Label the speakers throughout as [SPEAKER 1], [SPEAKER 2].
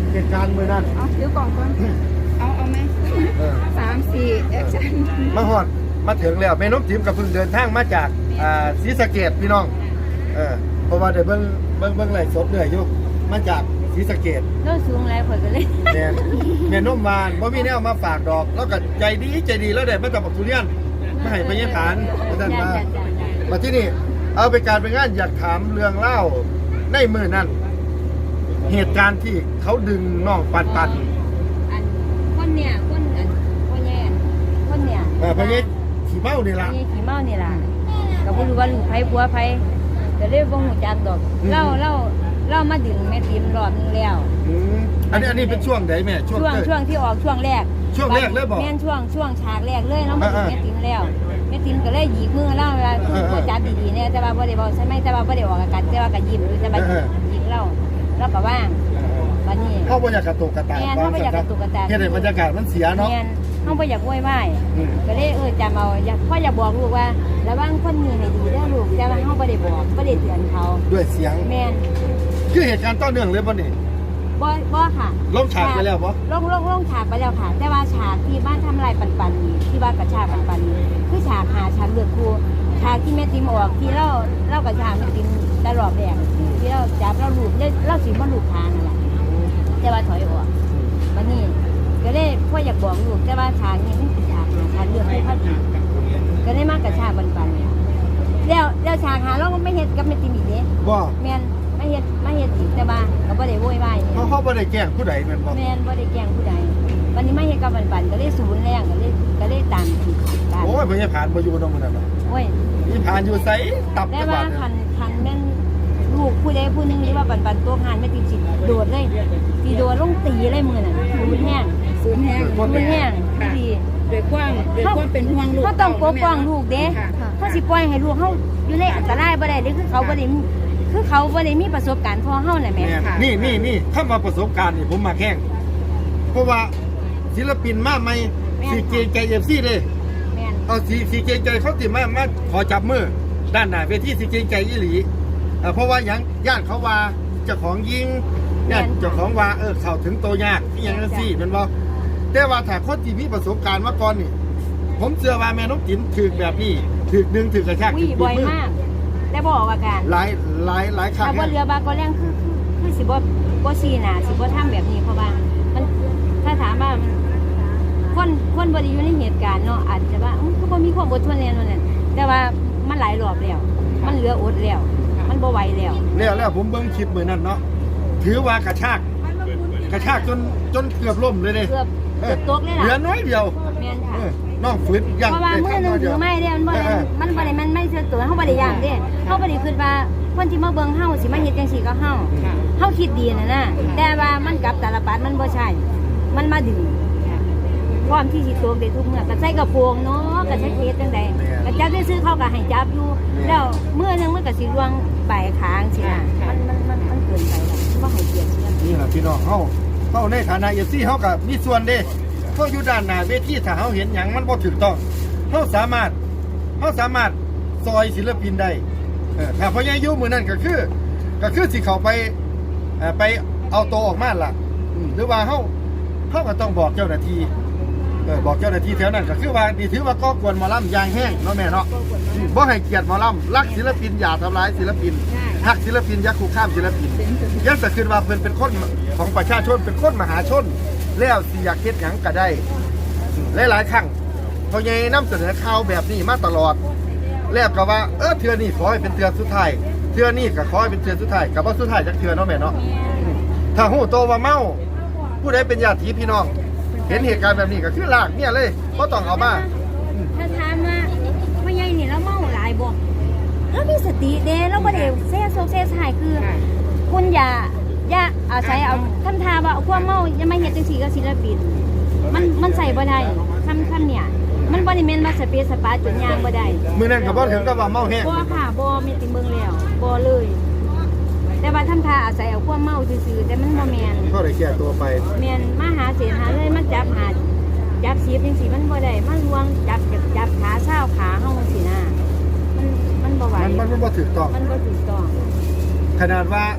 [SPEAKER 1] เหตุการณ์มื้อนั้น
[SPEAKER 2] เอาถือกล่องก่อนเอาไหม3-4แอคชั่น
[SPEAKER 1] มาฮอดมาถึงแล้วแม่นกจิ๋มก็เพิ่งเดินทางมาจากศรีสะเกษพี่น้องเพราะว่าได้เบิ่งไลฟ์สดเรื่อยอยู่มาจากศรีสะเกษ
[SPEAKER 3] โลสูงหลายข่อยก็เลย
[SPEAKER 1] แม่นมหวานบ่มีแนวมาฝากดอกแล้วก็ใจดีแล้วได้มาจากบักทุเรียนมาให้พญาฐานว่าซั่นมาที่นี่เอาไปการไปงานอยากถามเรื่องเล่าในมื้อนั้นเหตุการณ์ที่เขาดึงน้องปัน
[SPEAKER 3] อันคนเนี่ยคนพ่อแย่คนเนี่ย
[SPEAKER 1] พญาขี่เมานี่ล่ะ
[SPEAKER 3] พญาขี่เมานี่ล่ะก็บ่รู้ว่าลูกไผผัวไผก็เลยบ่ฮู้จักดอกเล่ามาดึงแม่ติมรอบนึงแล้ว
[SPEAKER 1] อันนี้เป็นช่วงไหนแม่
[SPEAKER 3] ช่วงที่ออกช่วงแรก
[SPEAKER 1] เลยบอก
[SPEAKER 3] แม่นช่วงฉากแรกเลยเรามาดึงแม่ติมแล้วแม่ติมก็เลยหยิกมือเล่าเวลาพูดจาดีๆเนี่ยแต่ว่าบ่ได้บอกใช่ไหมแต่ว่าบ่ได้ออกอากาศแต่ว่าก็ยิ้มอยู่แต่ว่าหยิกเล่าแล้วก็ว่างวันนี้
[SPEAKER 1] เขาบ่อยากกระตุกกระตาก
[SPEAKER 3] เขาบ่อยากกระตุกกระตาก
[SPEAKER 1] เฮ็ดให้บรรยากาศมันเสียเนาะ
[SPEAKER 3] เขาบ่อยากโวยวายก็เลยจำเอาพ่ออยากบอกลูกว่าระวังคนนี้ให้ดีเด้อลูกแต่ว่าเขาบ่ได้บอกบ่ได้เตือนเขา
[SPEAKER 1] ด้วยเสียง
[SPEAKER 3] แม่น
[SPEAKER 1] คือเหตุการณ์ต่อเนื่องเลยบ่นี่
[SPEAKER 3] บ่ค่ะ
[SPEAKER 1] ลงฉากไปแล้วบ่
[SPEAKER 3] ลงฉากไปแล้วค่ะแต่ว่าฉากที่บ้านทำลายปันนี่ที่บ้านกระชากปันนี่คือฉากหาฉากเลือดครูฉากที่แม่ติมออกที่เล่ากระชากแม่ติมตลอดแดงที่เราจับเราลูกเราสิบ่ลูกทางนั่นแหละแต่ว่าถอยออกวันนี้ก็เลยพ่ออยากบอกลูกแต่ว่าฉากนี้มันเป็นฉากหาฉากเลือดไม่พอดีก็ได้มากระชากปันแล้วฉากหาเราไม่เฮ็ดกับแม่ติมอีกเด้
[SPEAKER 1] บ่
[SPEAKER 3] แม่นไม่เฮ็ดอีกแต่ว่าก็บ่ได้โวยวาย
[SPEAKER 1] เขาบ่ได้แกล้งผู้ใดแม่นบ่
[SPEAKER 3] แม่นบ่ได้แกล้งผู้ใดวันนี้ไม่เฮ็ดกับปันก็เลยศูนย์แรงก็เลยตามที่ขาด
[SPEAKER 1] โอ้ยบ่ใช่ผ่านบ่อยู่ตรงนั้นน่ะ
[SPEAKER 3] โอ้ย
[SPEAKER 1] นี่ผ่านอยู่ไสตับ
[SPEAKER 3] แต่ว่าคันแม่นลูกผู้ใดผู้นึงนี่ว่าปันตัวหานแม่ติสิโดดเลยสิโดดลงตีเลยมื้อนั้นศูนย์แห้งดี
[SPEAKER 2] ด้วยความเป็นห่วงลูก
[SPEAKER 3] เขาต้องปกป้องลูกเด้เขาสิปล่อยให้ลูกเฮาอยู่ในอันตรายบ่ได้เด้คือเขาบ่ได้มีประสบการณ์พอเฮาน่ะแม่
[SPEAKER 1] นี่คำว่าประสบการณ์นี่ผมมาแข่งเพราะว่าศิลปินมาใหม่สิเกรงใจ FC เด้
[SPEAKER 3] แม่น
[SPEAKER 1] เอาสิเกรงใจเขาสิมาขอจับมือด้านหน้าเวทีสิเกรงใจอีหลีเพราะว่าหยังญาติเขาว่าเจ้าของยิงญาติเจ้าของว่าเข้าถึงตัวยากอีหยังจังซี่แม่นบ่แต่ว่าถ้าคนที่มีประสบการณ์มาก่อนนี่ผมเชื่อว่าแม่นกจิ๋มถึกแบบนี้ถึกดึงถึกกระชาก
[SPEAKER 3] ถึกบ่อยมากแต่บ่ออกอาการ
[SPEAKER 1] หลายครั้ง
[SPEAKER 3] ถ้าบ่เรือบาก็แรงคือสิบ่ซีหน้าสิบ่ทำแบบนี้เพราะว่ามันถ้าถามว่าคนบ่ได้อยู่ในเหตุการณ์เนาะอาจจะว่าคือบ่มีความอดทนแล้วนั่นแหละแต่ว่ามันหลายรอบแล้วมันเหลืออดแล้วมันบ่ไหว
[SPEAKER 1] แล้วผมเบิ่งคลิปมื้อนั้นเนาะถือว่ากระชากจนเกือบล้มเลยเด้
[SPEAKER 3] เกือบตกเลยล่ะ
[SPEAKER 1] เหลือน้อยเดียว
[SPEAKER 3] แม่นค่ะ
[SPEAKER 1] น้องฝืนย่าง
[SPEAKER 3] เพราะว่ามื้อนึงถือไม้เด้มันบ่ได้มันไม่เชื่อตัวเฮาบ่ได้ย่างเด้เฮาบ่ได้คิดว่าคนที่มาเบิ่งเฮาสิมาเฮ็ดจังซี่กับเฮาคิดดีน่ะแต่ว่ามันกับตาลปัดมันบ่ใช่มันมาดึงพร้อมที่สิตกได้ทุกเมื่อก็ใส่กระโปรงเนาะก็ใช้เฮ็ดจังได๋ก็จับซื้อเขาก็ให้จับอยู่แล้วมื้อนึงมันก็สิลวงปลายคางสินะมันเกินไปแล้วบ่ให้เกียรติ
[SPEAKER 1] นี่ล่ะพี่น้องเฮาในฐานะ FC เฮาก็มีส่วนเด้เขาอยู่ด้านหน้าเวทีถ้าเฮาเห็นหยังมันบ่ถูกต้องเฮาสามารถซอยศิลปินได้ถ้าพญายุมื้อนั้นก็คือสิเข้าไปเอาตัวออกมาล่ะหรือว่าเฮาก็ต้องบอกเจ้าหน้าที่บอกเจ้าหน้าที่แถวนั้นก็คือว่านี่ถือว่าก่อกวนหมอลำอย่างแห้งเนาะแม่เนาะบ่ให้เกียรติหมอลำรักศิลปินอย่าทำร้ายศิลปินหักศิลปินอย่าคุกคามศิลปินยังจะคิดว่าเพิ่นเป็นคนของประชาชนเป็นคนมหาชนแล้วสิอยากเฮ็ดหยังก็ได้หลายๆครั้งเพราะไงนำเสนอข่าวแบบนี้มาตลอดแล้วก็ว่าเทื่อนี้ขอให้เป็นเทื่อสุดท้ายเทื่อนี้ก็ขอให้เป็นเทื่อสุดท้ายก็บ่สุดท้ายจักเทื่อเนาะแม่เนาะถ้าฮู้โตว่าเมาผู้ใดเป็นญาติพี่น้องเห็นเหตุการณ์แบบนี้ก็คือลากเนี่ยเลยบ่ต้องเอามา
[SPEAKER 3] ถ้าถามว่าพ่อใหญ่นี่แล้วเมาหลายบ่แล้วมีสติเด้แล้วบ่ได้เซ่โซเซ่หายคือคุณอย่าอาศัยเอาคำทาว่าความเมาอย่ามาเฮ็ดจังซี่กับศิลปินมันใส่บ่ได้คำเนี่ยมันบ่ได้แม่นว่าสเปซสปาจนยางบ่ได้
[SPEAKER 1] มื้อนั้นก็บ่ถึงกับว่าเมาแฮง
[SPEAKER 3] บ่ค่ะบ่มีติเบิ่งแล้วบ่เลยแต่ว่าทำทาอาศัยเอาความเมาซื่อๆแต่มันบ่แม่น
[SPEAKER 1] ก็ได้แก้ตัวไป
[SPEAKER 3] แม่นมาหาเสียหาเลยมาจับสีจังซี่มันบ่ได้มาลวงจับขาเช้าขาเฮาจังซี่นะมันบ่ไหว
[SPEAKER 1] มันบ่ถูกต้อง
[SPEAKER 3] มันบ่ถูกต้อง
[SPEAKER 1] ขนาดว่า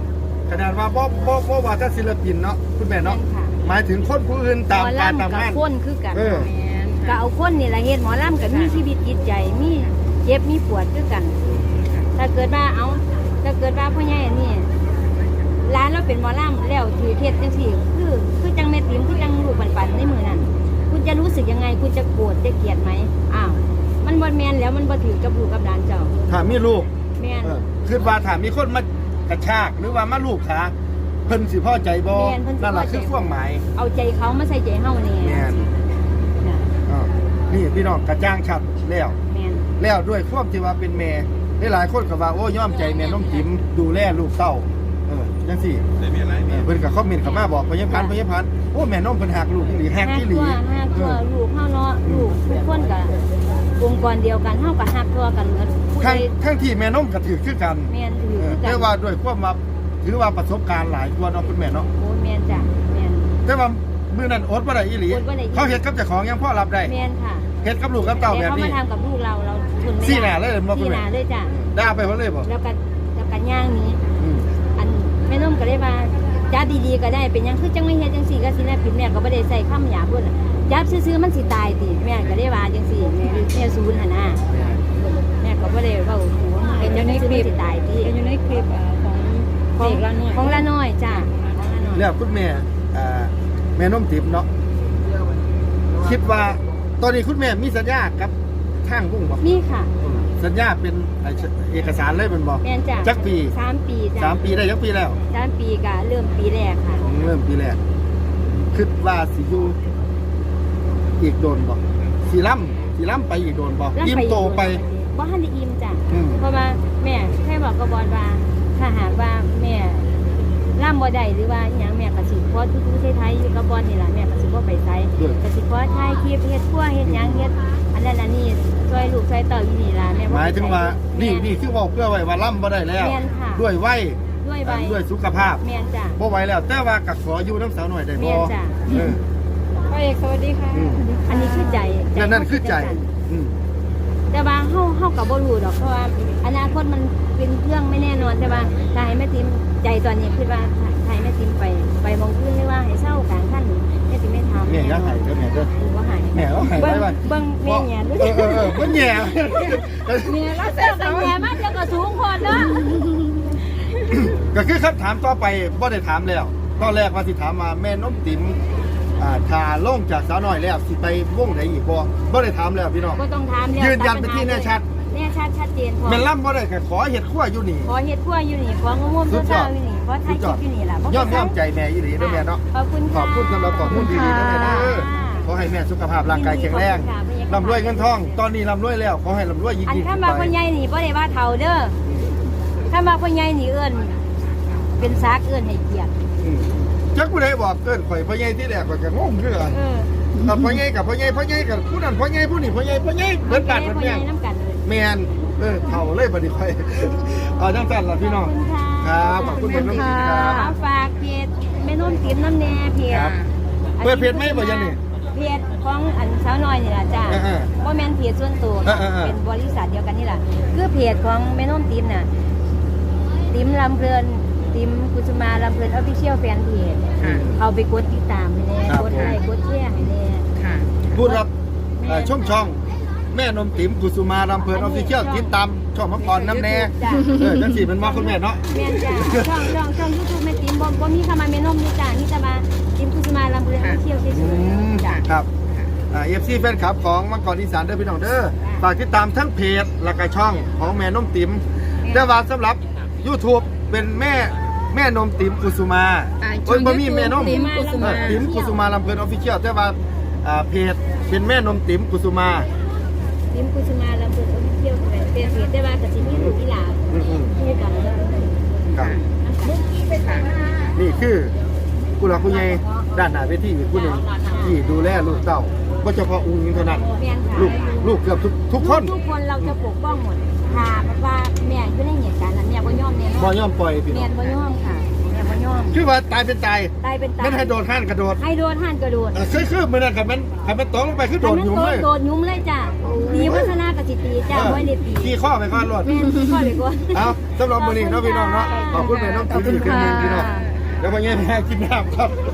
[SPEAKER 1] ขนาดว่าบ่ว่าแต่ศิลปินเนาะคุณแม่เนาะ
[SPEAKER 3] แม่นค่ะ
[SPEAKER 1] หมายถึงคนผู้อื่น
[SPEAKER 3] หม
[SPEAKER 1] ตาม
[SPEAKER 3] อ
[SPEAKER 1] การตาม
[SPEAKER 3] ลำกับ
[SPEAKER 1] งาน
[SPEAKER 3] คนคือกัน
[SPEAKER 1] เออ
[SPEAKER 2] แม่น
[SPEAKER 3] ก็เอาคนนี่แหละเฮ็ดหมอลำกับมีชีวิตจิตใจมีเจ็บมีปวดคือกัน ถ้าเกิดว่าพ่อใหญ่อันนี่ร้านเราเป็นหมอลำแล้วถือเทศจังซี่คือจังแม่ติ๋มคือจังลูกปันในมือนั้นคุณจะรู้สึกยังไงคุณจะโกรธจะเกลียดไหมอ้าวมันบ่แม่นแล้วมันบ่ถือกับลูกกับหลานเจ้า
[SPEAKER 1] ถ้ามีลูก
[SPEAKER 3] แม่น
[SPEAKER 1] คือว่าถ้ามีคนมากระชากหรือว่ามาลูกขาเพิ่นสิพอใจบ่
[SPEAKER 3] แม่นเพิ่นสิ
[SPEAKER 1] นั่นล่ะ
[SPEAKER 3] พอใจ
[SPEAKER 1] คือความหมาย
[SPEAKER 3] เอาใจเขามาใส่ใจเฮานี่
[SPEAKER 1] แม่น
[SPEAKER 3] น่ะ
[SPEAKER 1] อ้าวนี่พี่น้องกระจ่างชัดแล้ว
[SPEAKER 3] แม่น
[SPEAKER 1] แล้วด้วยความที่ว่าเป็นแม่หลายๆคนก็ว่าโอ้ยอมใจแม่น้องจิ๋มดูแลลูกเต้าจังซี่เพิ่นก็คอมเมนต์เข้ามาบอกพยาพันธ์โอ้แม่น้องเพิ่นหักลูกอีหลีหักอีหลี
[SPEAKER 3] ฮักตัวลูกเฮาเนาะลูกทุกคนก็องค์กรเดียวกันเฮาก็ฮักตัวกันเหมือนผู้ใด
[SPEAKER 1] ทั้งที่แม่น้องก็ถือคือกัน
[SPEAKER 3] แม่นถือคือกั
[SPEAKER 1] แต่
[SPEAKER 3] น
[SPEAKER 1] ว่าด้วยความว่าถือว่าประสบการณ์หลายกว่าเนาะคุณแม่เนาะ
[SPEAKER 3] โอ้แม่นจ้ะแม่น
[SPEAKER 1] แต่ว่ามื้อนั้นอดบ่ได้อีหลี
[SPEAKER 3] อดบ่ได้อีหลี
[SPEAKER 1] เขาเฮ็ดกับเจ้าของยังพอรับได้
[SPEAKER 3] แม่นค่ะ
[SPEAKER 1] เฮ็ดกับลูกกับเต้า
[SPEAKER 3] แต่
[SPEAKER 1] แบบ
[SPEAKER 3] เขา
[SPEAKER 1] นี้
[SPEAKER 3] มาทำกับลูกเราทนไม่ได้
[SPEAKER 1] ซี่หน้าเลยบ่คุณ
[SPEAKER 3] ซี่
[SPEAKER 1] แม่
[SPEAKER 3] หน้าเลยจ้ะ
[SPEAKER 1] ด่าไปบ่เลยบ่
[SPEAKER 3] แล้วก็ย่างหนี้
[SPEAKER 1] อืม
[SPEAKER 3] อันแม่นมก็ได้ว่าจับดีๆก็ได้เป็นหยังคือจังไม่เฮ็ดจังซี่ก็สิแลปิดแม่ก็บ่ได้ใส่คำหยาบเพิ่นจับซื่อๆมันสิตายติแม่ก็ได้ว่าจังซี่แม่ศูนย์หั่นน่ะแม่ก็บ่ได้เว้าหัวมันเป็นจังซี่มันสิตายติ
[SPEAKER 2] เป็นอยู่ในคลิปของเด็กละหน่อย
[SPEAKER 3] ของละน้อยจ้ะของละน้อย
[SPEAKER 1] แล้วคุณแม่แม่น้องติ๋มเนาะคิดว่าตอนนี้คุณแม่มีสัญญากับทางวงบ่
[SPEAKER 3] นี่ค่ะ
[SPEAKER 1] สัญญาเป็นเอกสารเลยเป็นบ่
[SPEAKER 3] แม่นจ้ะ
[SPEAKER 1] จักปี
[SPEAKER 3] 3 ปีจ้ะ
[SPEAKER 1] 3 ปีได้จักปีแล้ว
[SPEAKER 3] 3 ปีก็เริ่มปีแรกค่ะ
[SPEAKER 1] เริ่มปีแรกคิดว่าสิอยู่อีกโดนบ่สิล้ำไปอีกโดนบ่ยิ้มโตไป
[SPEAKER 3] บ่ทันได้อิ่มจ้ะ
[SPEAKER 1] อืม
[SPEAKER 3] เพราะว่าแม่เคยบอกกับบอลว่าถ้าหากว่าแม่ร่ำบ่ได้หรือว่าอหย่างแม่ก็สิขอทุกๆไทยๆอยู่กับบอลนี่ล่ะแม่ก็สิบ่ไปไสก็สิขอถ่ายคลิปเฮ็ดครัวเฮ็ดหยังเฮ็ดอันนั้นอันนี้ช่วยลูกช่วยเต้าอยู่นี่ล่ะแม่บ่
[SPEAKER 1] หมายถึงว่า
[SPEAKER 3] แม่
[SPEAKER 1] นี่คือเว้าเพื่อไว้ว่าล้ำบ่ได้แล้ว
[SPEAKER 3] แม่นค่ะ
[SPEAKER 1] ด้วยวัย
[SPEAKER 3] ด้วยใบ
[SPEAKER 1] ด้วยสุขภาพ
[SPEAKER 3] แม่นจ้ะ
[SPEAKER 1] บ่ไหวแล้ว แต่ว่าก็ขออยู่น้ำสาวหน่อยได้
[SPEAKER 3] แม่
[SPEAKER 1] บ่
[SPEAKER 3] นจ้ะ
[SPEAKER 1] เออ
[SPEAKER 2] พ่อเอกสวัสดีค่ะ
[SPEAKER 1] อืม
[SPEAKER 3] อันนี้คือใจ
[SPEAKER 1] นั่นคือใจอืม
[SPEAKER 3] แต่ว่าเฮาก็บ่รู้ดอกเพราะว่าอนาคตมันเป็นเรื่องไม่แน่นอนแต่ว่าถ้าให้แม่ติมใจตอนนี้คิดว่าถ้าให้แม่ติมไปมองขึ้นหรือว่าให้เศร้ากลางคันแม่ติมไม่ทำ
[SPEAKER 1] แม่อย่าให้เด้อแม่เด้อ
[SPEAKER 3] บ่ให้
[SPEAKER 1] แม่เอาให้ไว้ว่า
[SPEAKER 3] เบิ่งแม่แหย่ดู
[SPEAKER 1] เบิ่งแหย่
[SPEAKER 3] แม่เราเสียกันแหย่มาเดี๋ยวก็สูงพอเนาะ
[SPEAKER 1] ก็คือคำถามต่อไปบ่ได้ถามแล้วตอนแรกว่าสิถามว่าแม่น้มติ๋มถ้าลงจากสาวน้อยแล้วสิไปวงไหนอีกบ่ได้ถามแล้วพี่น้อง
[SPEAKER 3] บ่ต้องถามแล้ว
[SPEAKER 1] ยืนยันไปที่แน่ชัด
[SPEAKER 3] แน่ชัดชัดเจนพอ
[SPEAKER 1] แม่นล่ำบ่ได้ก็ขอเฮ็ดครัวอยู่นี่
[SPEAKER 3] ขอเฮ็ดครัวอยู่นี่ของงมๆเช้าๆอยู่นี่ขอถ่ายคลิปอยู่นี่ล่ะ
[SPEAKER 1] ย่อมใจแม่อีหลีเด้อแม่เนาะ
[SPEAKER 3] ขอบคุณ
[SPEAKER 1] ขอบคุณสำหรับข้อมูลดีๆนะแม่เด้อขอให้แม่สุขภาพร่างกายแข็งแรงร่ำรวยเงินทอง ตอนนี้ร่ำรวยแล้วขอให้ร่ำรวยยิ่ง
[SPEAKER 3] อัน
[SPEAKER 1] ๆ
[SPEAKER 3] ถ้า
[SPEAKER 1] ขึ้น
[SPEAKER 3] มา
[SPEAKER 1] ไป
[SPEAKER 3] คนใหญ่นี่บ่ได้ว่าเฒ่าเด้อถ้ามาคนใหญ่นี่เอิ้นเป็นซากเอิ้นให้เกียรติ
[SPEAKER 1] อืมจักผู้ใดบอกเกินข่อยพ่อใหญ่ที่แรกข่อยก็งงคือกัน
[SPEAKER 3] เออ
[SPEAKER 1] กับพ่อใหญ่กับพ่อใหญ่กับผู้นั้นพ่อใหญ่ผู้นี้พ่อใหญ่เบิดบาดเบิด
[SPEAKER 3] คน
[SPEAKER 1] แม่
[SPEAKER 3] ใหญ่น้ำกันเลย
[SPEAKER 1] แม่นเฒ่าเลยบัดนี้ข่อยเอาจังซั่นล่ะพี่น้อง
[SPEAKER 3] ขอบคุณค่ะ
[SPEAKER 1] ครับขอบคุณเพิ่นน้องดีครับ
[SPEAKER 3] ฝากเพจแม่นุ่นติ๋มน้ำแน่เพจ
[SPEAKER 1] ครับเปิดเพจไหมบ่ยันนี่
[SPEAKER 3] เพจของอันสาวน้อยนี่ล่ะจ้า
[SPEAKER 1] เออ
[SPEAKER 3] บ่แม่นเพจส่วนตัว เป็นบริษัทเดียวกันนี่ล่ะคือเพจของแม่นุ่นติ๋มน่ะติ๋มลำเพลินติ๋มกุสุมาลำเพลินออฟฟิเชียลแฟนเพจ
[SPEAKER 2] ค่ะ
[SPEAKER 3] เขาไปกดติดตามให้แน่
[SPEAKER 1] ครับ
[SPEAKER 3] กดไลค์กดแชร์ให้แน่
[SPEAKER 2] ค่ะ
[SPEAKER 1] ผู้รับช่องแม่นมติ๋มกุสุมารำเพลินออฟฟิเชียลติดตามช่องมังกรน้ำแน่
[SPEAKER 3] จ้ะ
[SPEAKER 1] จังสี่เป็นมาคุณแม่เนาะ
[SPEAKER 3] แม่นจ้ะช่อง YouTube แม่ติ๋มบ่มีคำว่าแม่นมนี่จ้ะนี่จะมาติ๋มกุสุมาลำเพลินออฟฟิเชียลเฉยๆจ้ะ
[SPEAKER 1] ครับFC แฟนคลับของมังกรอีสานเด้อพี่น้องเด้อฝากติดตามทั้งเพจและก็ช่องของแม่นมติ๋มแต่ว่าสำหรับ YouTube เป็นแม่นมติ๋มกุสุมา
[SPEAKER 2] ช่อง
[SPEAKER 1] บ่มีแม่นม
[SPEAKER 2] ติ๋มกุสุมา
[SPEAKER 1] ติ๋มกุสุมาลำเพลินออฟฟิเชียลแต่ว่าเพจเป็นแม่นมติ๋มกุสุมา
[SPEAKER 3] ติ๋มกุสุมาลำเพลินออฟฟิเชียลเป็นเพจแต่ว่าก็สิมีลูกอีหลา
[SPEAKER 1] อืม
[SPEAKER 3] คู่กันแล้ว
[SPEAKER 1] ครับนี่คือผู้หลักผู้ใหญ่ด้านหน้าเวทีอีกผู้หนึ่งที่ดูแลลูกเต้าก็เฉพาะอุ้งอิงเท่านั้น
[SPEAKER 3] แม่นค่ะ
[SPEAKER 1] ลูกเกือบทุกคน
[SPEAKER 3] ทุกคนเราจะปกป้องหมดค่ะเพราะว่าแม่อยู่ในเหตุการณ์นั้นแม่บ่ยอมแน่นอน
[SPEAKER 1] บ่ย่อมปล่อยพี่น้
[SPEAKER 3] แม่
[SPEAKER 1] อง
[SPEAKER 3] บ่ยอมค่ะแม่บ่ยยอม
[SPEAKER 1] คือว่าตายเป็นตาย
[SPEAKER 3] ตายเป็นตาย
[SPEAKER 1] นั่นให้โดดห้านกระโดด
[SPEAKER 3] ให้โดนหันกระโดด
[SPEAKER 1] คือมือนั่นกับมันตกลงไปคือโดดอยู่เลย
[SPEAKER 3] โดดยุ่มเลยจ้ะตีวัฒนากสิตีจ้ะไว้ในตี
[SPEAKER 1] ขี่ข้อไปก่อนรถ
[SPEAKER 3] แม่นข้อเลยก่อน
[SPEAKER 1] เอาสำหรับมื้อนี้เนาะพี่น้องเนาะขอบคุณแม่น้องติ๋วที่ขึ้นมาพี่น้องแล้ววันนี้แม่กินน้ำครับ